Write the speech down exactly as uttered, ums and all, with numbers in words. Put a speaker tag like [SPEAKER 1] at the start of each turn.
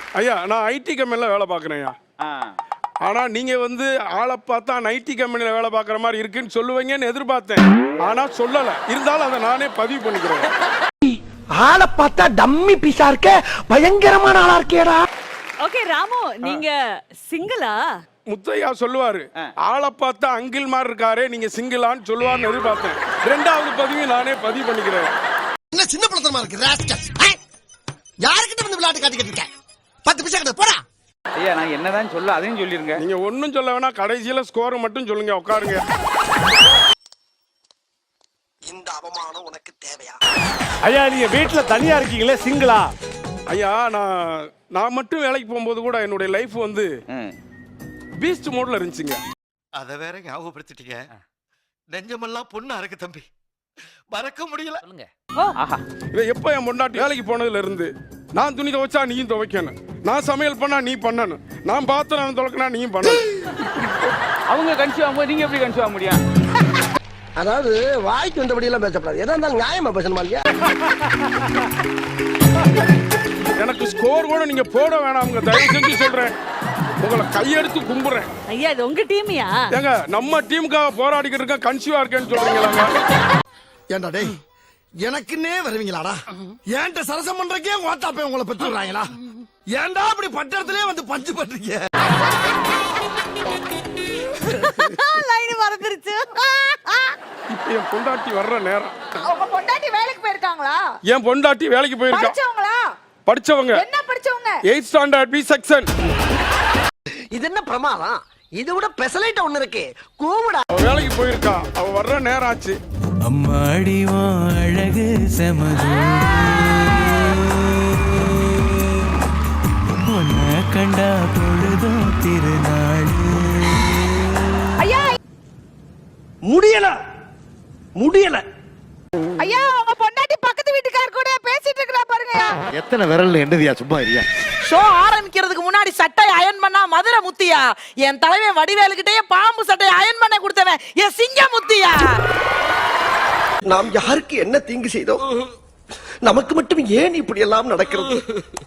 [SPEAKER 1] ஐயா நான் ஐடி கம்பெனியில் வேலை பார்க்குறேன் ஐயா. ஆனா நீங்க வந்து ஆளை பார்த்தா ஐடி கம்பெனியில் வேலை பார்க்குற மாதிரி இருக்குன்னு சொல்லுவீங்கன்னு எதிர்பார்த்தேன். ஆனா சொல்லல. இருந்தாலும் அதை நானே பதிவு பண்ணிக்கிறேன்.
[SPEAKER 2] ஆளை பார்த்தா டம்மி பீஸா இருக்க, பயங்கரமான ஆளா இருக்கேடா.
[SPEAKER 3] ஓகே ராமு, நீங்க சிங்கிளா?
[SPEAKER 1] முத்தையா சொல்லுவாரு, ஆளை பார்த்தா அங்கிள் மாதிரி இருக்காரு, நீங்க சிங்கிளான்னு சொல்லுவார்னு எதிர்பார்த்தேன். ரெண்டாவது பதிவு நானே பதிவு பண்ணிக்கிறேன்.
[SPEAKER 4] என்ன சின்ன பழத்தனமா இருக்கு ராஸ்கல். யார்கிட்ட வந்து விளையாட்டு காட்டிக்கிட்டு இருக்க? பத்து பைசா கிட்ட போடா.
[SPEAKER 5] ஐயா நான் என்னதான் சொல்ல அதையும் சொல்லிருங்க.
[SPEAKER 1] நீங்க ஒன்னும் சொல்ல வேணா, கடைசியில ஸ்கோர் மட்டும் சொல்லுங்க. உட்காருங்க.
[SPEAKER 4] இந்த அவமானம் உனக்கு தேவையா?
[SPEAKER 6] ஐயா நீங்க வீட்டுல தனியா இருக்கீங்களே, சிங்கிளா?
[SPEAKER 1] ஐயா நான் நான் மட்டும் வேலைக்கு போகும்போது கூட என்னுடைய லைஃப் வந்து பீஸ்ட் மோட்ல இருந்துச்சுங்க.
[SPEAKER 7] அத வேற ஞாபகப்படுத்திட்டீங்க. நெஞ்சமெல்லாம் பொண்ணா இருக்கு தம்பி, மறக்க முடியல.
[SPEAKER 1] எப்ப என் பொண்டாட்டி வேலைக்கு போனதுல இருந்து நான் துணி துவைச்சா நீயும் துவைக்கணும், நான் சமையல் பண்ணா நீ பண்ணணும், நான் பாத்திரம் துவைக்கனா நீயும் பண்ணணும்.
[SPEAKER 5] அவங்க கன்சியூவ் ஆகும்போது நீங்க எப்படி கன்சியூவ் ஆக முடியும்?
[SPEAKER 2] அதாவது வாய்க்கு வந்தபடி எல்லாம் பேசப்படாது, எதா இருந்தாலும் நியாயமா பேசணுமா இல்லையா?
[SPEAKER 1] எனக்கு ஸ்கோர் கூட நீங்க போட வேணாம், தயவு செஞ்சு சொல்றேன். உங்களை கையெடுத்து கும்புறேன்.
[SPEAKER 3] ஐயா இது உங்க டீமியா?
[SPEAKER 1] ஏங்க நம்ம டீமுக்காக போராடிக்கிட்டு இருக்க, கன்சியூவா இருக்கேன்னு சொல்றீங்களாங்க?
[SPEAKER 4] ஏண்டா டேய், எனக்குன்னே வருவீங்களாடா? ஏன்ட்ட சரசம் பண்றக்கே ஓட்டாப்பே உங்களை பெற்றுறாங்களா? ஏன்டா அப்படி பட்டத்திலே வந்து பஞ்சு பண்றீங்க?
[SPEAKER 3] லைன் மறந்துருச்சு.
[SPEAKER 1] இப்ப என் பொண்டாட்டி வர்ற நேரம்.
[SPEAKER 8] உங்க பொண்டாட்டி வேலைக்கு போயிருக்காங்களா?
[SPEAKER 1] என் பொண்டாட்டி வேலைக்கு போயிருக்கா.
[SPEAKER 8] படிச்சவங்களா?
[SPEAKER 1] படிச்சவங்க.
[SPEAKER 8] என்ன படிச்சவங்க?
[SPEAKER 1] Eighth standard B section.
[SPEAKER 2] இது என்ன பிரமாதம்? இது விட பெசலைட் ஒண்ணு இருக்கு, கூவுடா.
[SPEAKER 1] அவ வேலைக்கு போயிருக்கா, அவ வர்ற நேரம் ஆச்சு.
[SPEAKER 9] அம்மாடி அழகு செமது, உன்னை கண்டா பொழுதும் திருநாள்.
[SPEAKER 8] ஐயா
[SPEAKER 2] முடியல முடியல.
[SPEAKER 8] ஐயா உங்க பொண்டாட்டி பக்கத்து வீட்டுக்கார கூட பேசிட்டு இருக்கா பாருங்க.
[SPEAKER 7] எத்தனை விரல்ல என்னதியா சும்மா இருக்கியா?
[SPEAKER 10] ஷோ ஆரம்பிக்கிறதுக்கு முன்னாடி சட்டை அயன் பண்ணா மதுரை முத்தியா, என் தலைவன் வடிவேலுக்கிட்டே பாம்பு சட்டை அயன் பண்ண கொடுத்தவன் என் சிங்க முத்தியா.
[SPEAKER 2] நாம் யாருக்கு என்ன தீங்கு செய்தோம்? நமக்கு மட்டும் ஏன் இப்படி எல்லாம் நடக்கிறது?